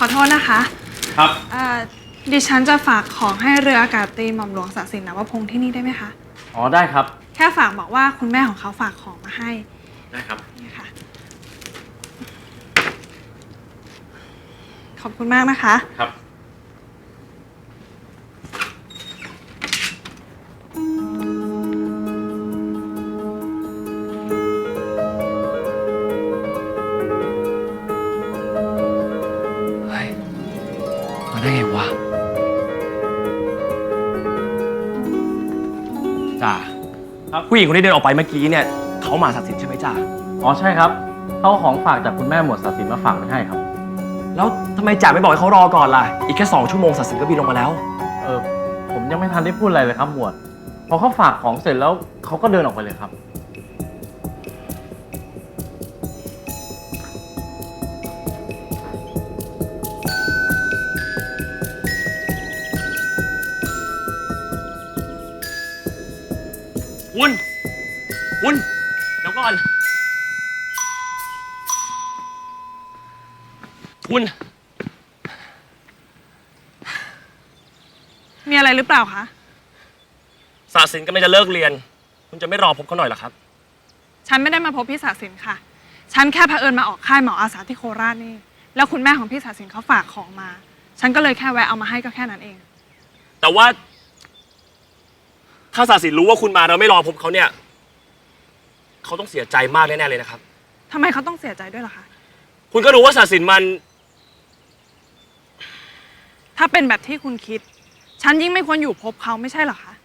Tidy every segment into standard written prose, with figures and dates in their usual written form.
อโทษนะคะครับดิฉันจะฝากของให้เรืออากาศตรีหม่อมหลวงศักดิ์สินนวพงษ์ที่นี่ได้ไหมคะอ๋อได้ครับแค่ฝากบอกว่าคุณแม่ของเขาฝากของมาให้ได้ครับนี่ค่ะขอบคุณมากนะคะครับมาได้ไงวะจ่าครับผู้หญิงคนที่เดินออกไปเมื่อกี้เนี่ยเขามาศักดิ์สินใช่ไหมจ่าอ๋อใช่ครับเขาของฝากจากคุณแม่หมวดศักดิ์สินมาฝากไม่ให้ครับแล้วทำไมจ่าไม่บอกให้เขารอก่อนล่ะอีกแค่2 ชั่วโมงศักดิ์สินก็บินลงมาแล้วผมยังไม่ทันได้พูดอะไรเลยครับหมวดพอเขาฝากของเสร็จแล้วเขาก็เดินออกไปเลยครับคุณเดี๋ยวก่อนคุณมีอะไรหรือเปล่าคะศักดิ์สินกำลังจะเลิกเรียนคุณจะไม่รอพบเขาหน่อยเหรอครับฉันไม่ได้มาพบพี่ศักดิ์สินค่ะฉันแค่เผอิญมาออกค่ายหมออาสาที่โคราชนี่แล้วคุณแม่ของพี่ศักดิ์สินเขาฝากของมาฉันก็เลยแค่แวะเอามาให้ก็แค่นั้นเองแต่ว่าถ้าศักดิ์สินรู้ว่าคุณมาเราไม่รอพบเขาเนี่ยเขาต้องเสียใจมากแน่ๆเลยนะครับทำไมเขาต้องเสียใจด้วยล่ะคะคุณก็รู้ว่าศักดิ์สินมันถ้าเป็นแบบที่คุณคิดฉันยิ่งไม่ควรอยู่พบเขาไม่ใช่เหรอคะ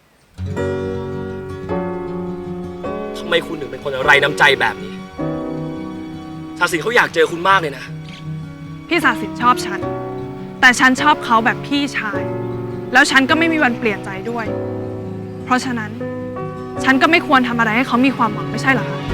ทำไมคุณถึงเป็นคนไร้น้ำใจแบบนี้ศักดิ์สินเขาอยากเจอคุณมากเลยนะพี่ศักดิ์สินชอบฉันแต่ฉันชอบเขาแบบพี่ชายแล้วฉันก็ไม่มีวันเปลี่ยนใจด้วยเพราะฉะนั้นฉันก็ไม่ควรทำอะไรให้เขามีความหวังไม่ใช่เหรอคะ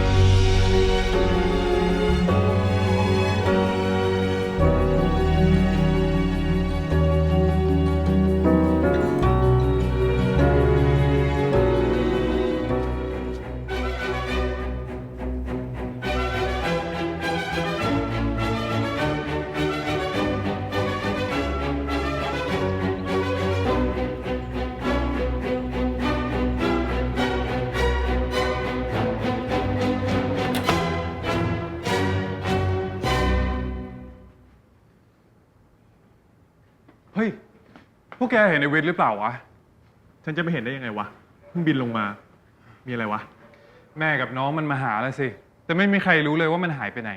เฮ้ย พวกแกเห็นในเวทหรือเปล่าวะ ฉันจะไม่เห็นได้ยังไงวะ เพิ่งบินลงมา มีอะไรวะ แม่กับน้องมันมาหาแล้วสิ แต่ไม่มีใครรู้เลยว่ามันหายไปไหน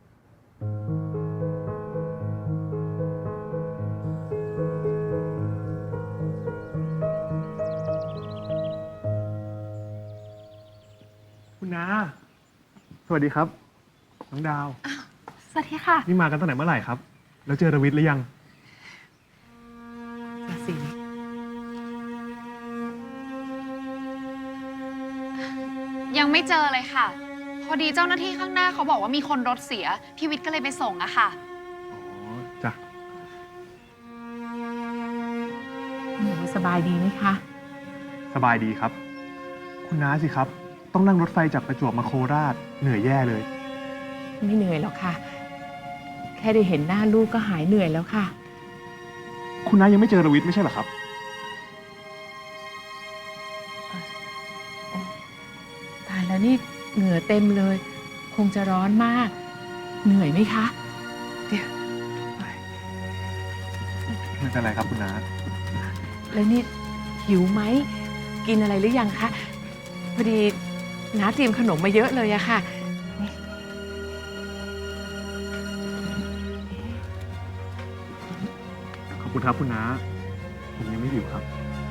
คุณน้า สวัสดีครับ น้องดาวสวัสดีค่ะนี่มากันตั้งแต่เมื่อไหร่ครับ แล้วเจอรวิทย์หรือยังสิยังไม่เจอเลยค่ะ พอดีเจ้าหน้าที่ข้างหน้าเขาบอกว่ามีคนรถเสีย พี่วิทย์ก็เลยไปส่งอะค่ะอ๋อ จ้ะหนูสบายดีไหมคะสบายดีครับ คุณน้าสิครับ ต้องนั่งรถไฟจากประจวบมาโคราช เหนื่อยแย่เลยไม่เหนื่อยหรอกค่ะ แค่ได้เห็นหน้าลูกก็หายเหนื่อยแล้วค่ะคุณน้ายังไม่เจอรวิทย์ไม่ใช่เหรอครับตายแล้วนี่เหงื่อเต็มเลย คงจะร้อนมาก เหนื่อยไหมคะเดี๋ยวไม่เป็นไรครับคุณน้าแล้วนี่หิวไหม กินอะไรหรือยังคะ พอดีน้าเตรียมขนมมาเยอะเลยอะค่ะขอบคุณครับคุณน้า ผมยังไม่หิวครับ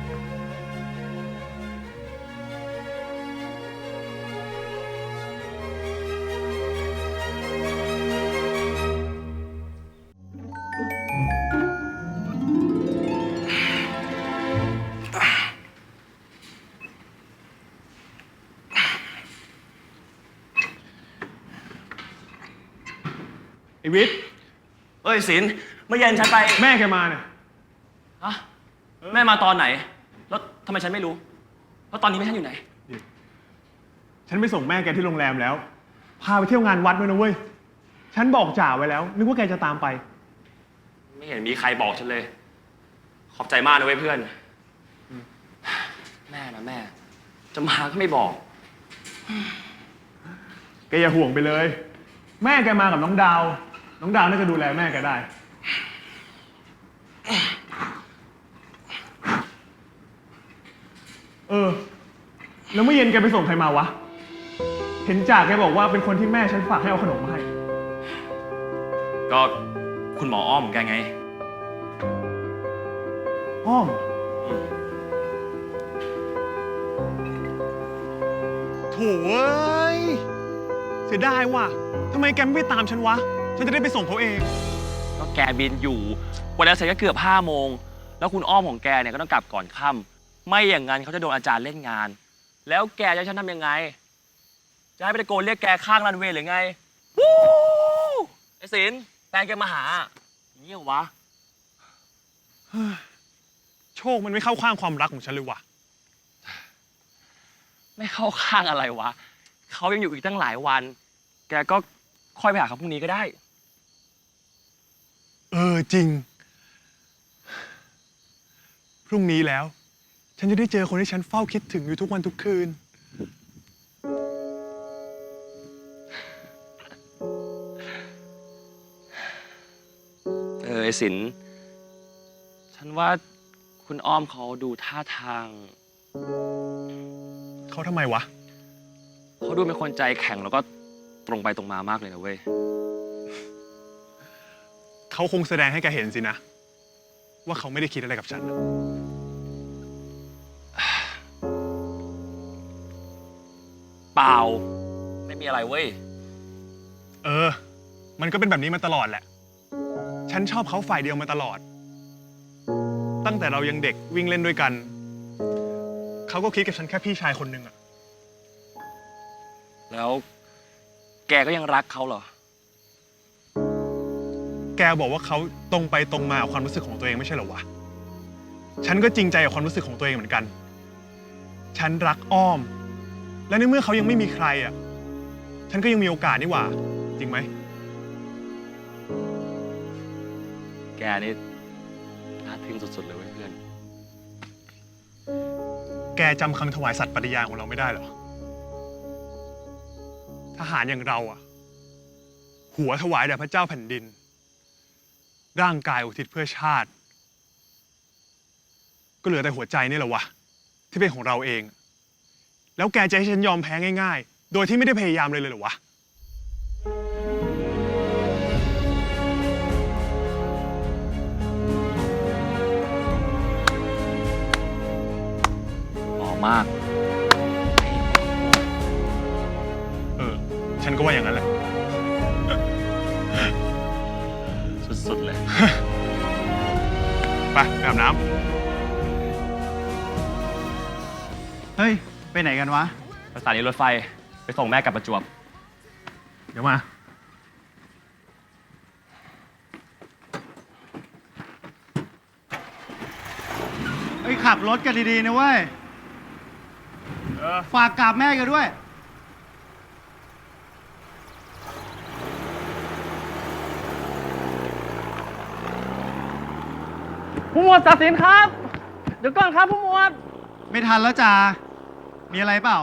ไอวิทย์เอ้ยศิลป์เมื่อเย็นฉันไปแม่แกมาเนี่ยฮะแม่มาตอนไหนแล้วทำไมฉันไม่รู้แล้วตอนนี้แม่ฉันอยู่ไหนฉันไปส่งแม่แกที่โรงแรมแล้ว พาไปเที่ยวงานวัดด้วยนะเว้ย ฉันบอกจ่าไว้แล้ว นึกว่าแกจะตามไปไม่เห็นมีใครบอกฉันเลย ขอบใจมากนะเว้ยเพื่อน แม่นะแม่ จะมาก็ไม่บอกแกอย่าห่วงไปเลย แม่แกมากับน้องดาว น้องดาวน่าจะดูแลแม่แกได้ แล้วเมื่อเย็นแกไปส่งใครมาวะ เห็นจ่าแกบอกว่าเป็นคนที่แม่ฉันฝากให้เอาขนมมาให้ก็คุณหมออ้อมแกไงอ้อม โถ่เอ้ย เสียดายว่ะทำไมแกไม่ไปตามฉันวะ ฉันจะได้ไปส่งเขาเองก็แกบินอยู่วันนั้นเสร็จก็เกือบ5 โมง แล้วคุณอ้อมของแกเนี่ยก็ต้องกลับก่อนค่ำไม่อย่างนั้นเขาจะโดนอาจารย์เล่นงาน แล้วแกจะให้ฉันทำยังไง จะให้ไปตะโกนเรียกแกข้างรันเวย์หรือไง วู้ไอ้ศิลป์แฟนแกมาหาอย่างนี้เหรอวะโชคมันไม่เข้าข้างความรักของฉันเลยว่ะไม่เข้าข้างอะไรวะ เขายังอยู่อีกตั้งหลายวัน แกก็ค่อยไปหาเขาพรุ่งนี้ก็ได้จริง พรุ่งนี้แล้ว ฉันจะได้เจอคนที่ฉันเฝ้าคิดถึงอยู่ทุกวันทุกคืนไอ้ศิลป์ฉันว่าคุณอ้อมเขาดูท่าทางเขาทำไมวะเขาดูเป็นคนใจแข็งแล้วก็ตรงไปตรงมามากเลยนะเว้ยเขาคงแสดงให้แกเห็นสินะ ว่าเขาไม่ได้คิดอะไรกับฉันนะเปล่า ไม่มีอะไรเว้ยมันก็เป็นแบบนี้มาตลอดแหละ ฉันชอบเขาฝ่ายเดียวมาตลอด ตั้งแต่เรายังเด็กวิ่งเล่นด้วยกัน เขาก็คิดกับฉันแค่พี่ชายคนหนึ่งอะแล้วแกก็ยังรักเขาเหรอแกบอกว่าเขาตรงไปตรงมากับความรู้สึกของตัวเองไม่ใช่เหรอวะ ฉันก็จริงใจกับความรู้สึกของตัวเองเหมือนกัน ฉันรักอ้อม และในเมื่อเขายังไม่มีใครอะฉันก็ยังมีโอกาสนี่หว่า จริงไหมแกนี่น่าทึ่งสุดๆเลยเว้ยเพื่อนแกจำคำถวายสัตย์ปฏิญาณของเราไม่ได้เหรอ ทหารอย่างเราอะหัวถวายแด่พระเจ้าแผ่นดิน ร่างกายอุทิศเพื่อชาติ ก็เหลือแต่หัวใจนี่แหละวะที่เป็นของเราเอง แล้วแกจะให้ฉันยอมแพ้ง่ายๆ โดยที่ไม่ได้พยายามเลยเหรอวะหล่อมากฉันก็ว่าอย่างนั้นแหละสุดๆเลยไปอาบน้ำเฮ้ย ไปไหนกันวะไปสถานีรถไฟ ไปส่งแม่กลับประจวบเดี๋ยวมาเฮ้ย ขับรถกันดีๆนะเว้ย ฝากกราบแม่กันด้วยผู้หมวดตัดสินครับ เดี๋ยวก่อนครับผู้หมวดไม่ทันแล้วจ้ามีอะไรเปล่า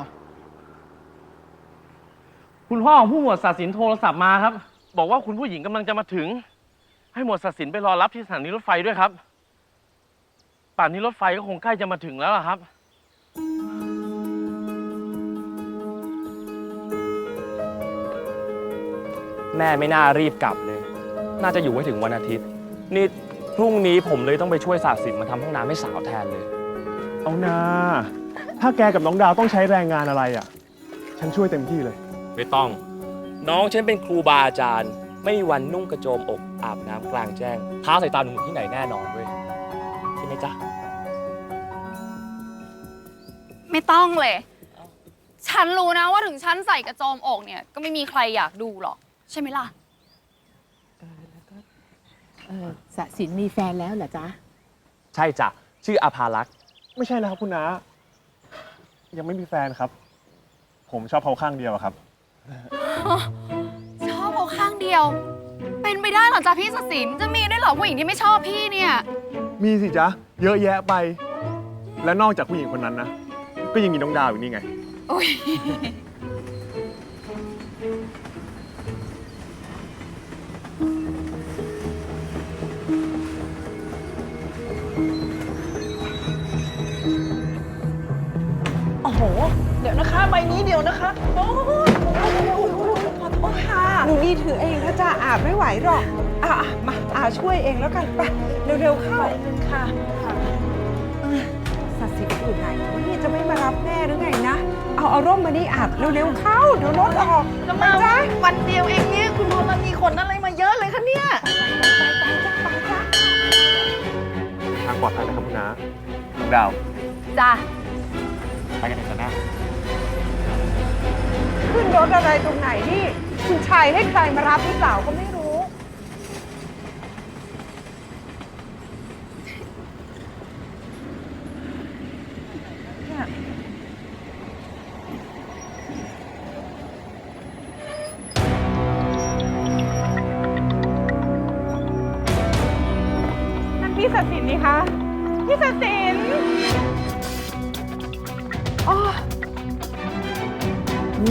คุณพ่อของผู้หมวดศาสินโทรศัพท์มาครับ บอกว่าคุณผู้หญิงกำลังจะมาถึง ให้หมวดศาสินไปรอรับที่สถานีรถไฟด้วยครับ ป่านนี้รถไฟก็คงใกล้จะมาถึงแล้วล่ะครับแม่ไม่น่ารีบกลับเลย น่าจะอยู่ไว้ถึงวันอาทิตย์ นี่พรุ่งนี้ผมเลยต้องไปช่วยศาสินมาทำห้องน้ำให้สาวแทนเลยเอานา ถ้าแกกับน้องดาวต้องใช้แรงงานอะไรอ่ะ ฉันช่วยเต็มที่เลยไม่ต้อง น้องฉันเป็นครูบาอาจารย์ ไม่มีวันนุ่งกระโจมอกอาบน้ำกลางแจ้งท้าสายตาหนุ่มที่ไหนแน่นอนเว้ยใช่ไหมจ๊ะไม่ต้องเลย ฉันรู้นะว่าถึงฉันใส่กระโจมอกเนี่ย ก็ไม่มีใครอยากดูหรอก ใช่ไหมล่ะสะสินมีแฟนแล้วเหรอจ๊ะใช่จ้ะ ชื่ออาภารักษ์ไม่ใช่แล้วครับคุณน้า ยังไม่มีแฟนครับ ผมชอบเขาข้างเดียวอะครับชอบเอาข้างเดียวเป็นไปได้เหรอจ๊ะพี่ศศินจะมีได้วยเหรอผู้หญิงที่ไม่ชอบพี่เนี่ยมีสิจ๊ะ เยอะแยะไป และนอกจากผู้หญิงคนนั้นนะ ก็ยังมีน้องดาวอยู่นี่ไงอุ้ยโอ้โห เดี๋ยวนะคะ ใบนี้เดี๋ยวนะคะ โอ้ยขอโทษค่ะหนูนี่ถือเองถ้าจะอาบไม่ไหวหรอกมาช่วยเองแล้วกันไปเร็วๆเข้าใบหนึ่งค่ะสัตว์สิทธิ์อยู่ไหนนี่จะไม่มารับแม่หรือไงนะ เอาร่มมานี่อาบเร็วๆเข้า เดี๋ยวรถออกจะมาวันเดียวเองเนี่ย คุณพลมีขนอะไรมาเยอะเลยคะเนี่ยไปจ้ะทางปลอดภัยนะครับคุณน้าน้องดาวจ้ะไปกันเถอะนะขึ้นรถอะไรตรงไหนนี่ คุณชายให้ใครมารับหรือเปล่าก็ไม่รู้นั่นพี่ศักดิ์สินนี่คะพี่ศักดิ์สินอ๋อแม่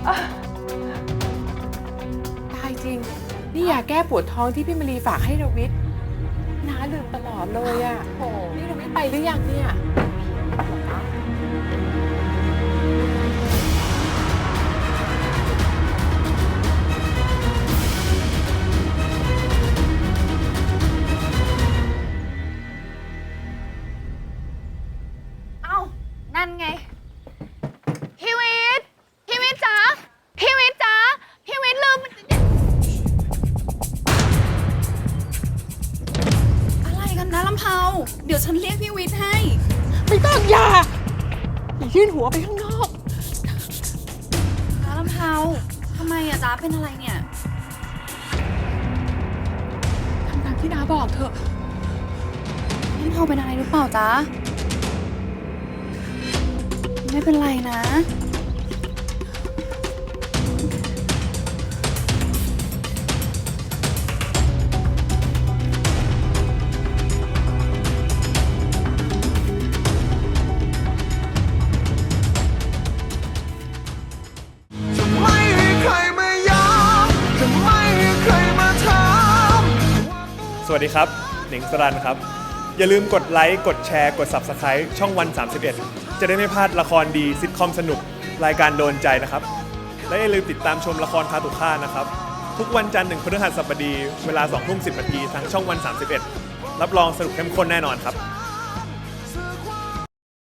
ตายจริง นี่ยาแก้ปวดท้องที่พี่มลีฝากให้รวิทย์น้าลืมตลอดเลยอ่ะโอ้นี่รวิทย์ไปหรือยังเนี่ยเอ้า นั่นไง พี่วิทย์พี่วิทย์จ๋าพี่วิทย์จ๋าพี่วิทย์ลืม อะไรกันนะลำเพาเดี๋ยวฉันเรียกพี่วิทย์ให้ไม่ต้องอย่ายื่นหัวไปข้างนอกน้าลำเพาทำไมอะจ๊ะเป็นอะไรเนี่ยทำตามที่น้าบอกเถอะลำเพาเป็นอะไรหรือเปล่าจ๊ะ ไม่เป็นไรนะสวัสดีครับ หนิงสรันครับ อย่าลืมกดไลค์ กดแชร์ กด Subscribe ช่องวัน 31 จะได้ไม่พลาดละครดีซิทคอมสนุก รายการโดนใจนะครับ และอย่าลืมติดตามชมละครคาตุค่านะครับ ทุกวันจันทร์ถึงพฤหัสบดี เวลา 20:10 น. ทางช่องวัน 31 รับรองสนุกเข้มข้นแน่นอนครับ